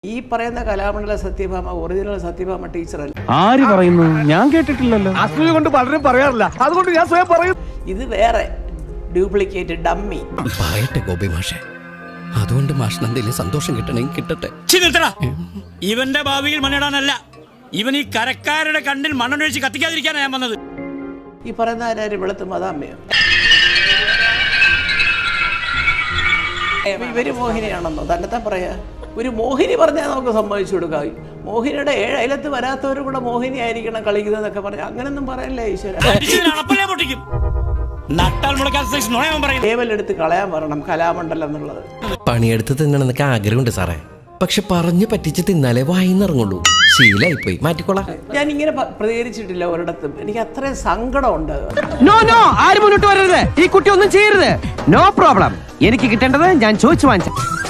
ഈ പറയുന്ന കലാമണ്ഡല സത്യഭാമ ഒറിജിനൽ സത്യഭാമ ടീച്ചറല്ല. ആര് പറയുന്നു? ഞാൻ കേട്ടിട്ടില്ലല്ലോ. അസൂയ കൊണ്ട് പലരും പറയാറില്ല, അതുകൊണ്ട് ഞാൻ സ്വയം പറയും. ഇത് വേറെ ഡ്യൂപ്ലിക്കേറ്റ് ഡമ്മി. പറയട്ടെ ഗോപി മാഷെ, അതുകൊണ്ട് മാഷിന് എന്തെങ്കിലും സന്തോഷം കിട്ടണമെങ്കിൽ കിട്ടട്ടെ. ഇവന്റെ ഭാവിയിൽ മണ്ണിടാനല്ല, ഇവൻ ഈ കരക്കാരുടെ കണ്ണിൽ മണ്ണൊഴിച്ച് കത്തിക്കാതിരിക്കാനാണ് ഞാൻ വന്നത്. ഈ പറയുന്ന ആരും വെളുത്ത് മതാമ്മയോ? ഇവര് മോഹിനിയാണെന്നോ തന്നെത്താൻ പറയാ? ഒരു മോഹിനി പറഞ്ഞാൽ നമുക്ക് സമ്മതിച്ചു കൊടുക്കാം. മോഹിനിയുടെ 7 അയലത്ത് വരാത്തവരും കൂടെ മോഹിനി ആയിരിക്കണം കളിക്കുന്നതൊക്കെ പറഞ്ഞാൽ അങ്ങനൊന്നും പറയല്ലേ ഈശ്വര. ലേവലെടുത്ത് കളയാൻ പറയണം കലാമണ്ഡലം എന്നുള്ളത്. പണിയെടുത്ത് തിന്നണമെന്നൊക്കെ ആഗ്രഹമുണ്ട് സാറേ, പക്ഷെ പറഞ്ഞു പറ്റിച്ച് തിന്നാലേ വായിന്നിറങ്ങുള്ളൂ. ശീലായിപ്പോയി, മാറ്റിക്കോളാം. ഞാൻ ഇങ്ങനെ പ്രതികരിച്ചിട്ടില്ല ഒരിടത്തും. എനിക്ക് അത്രയും സങ്കടമുണ്ട്. നോ നോ, ആരും മുന്നോട്ട് വരരുത്. ഈ കുട്ടി ഒന്നും ചെയ്യരുത്. No problem. എനിക്ക് കിട്ടേണ്ടത് ഞാൻ ചോദിച്ചു വാങ്ങിച്ചു.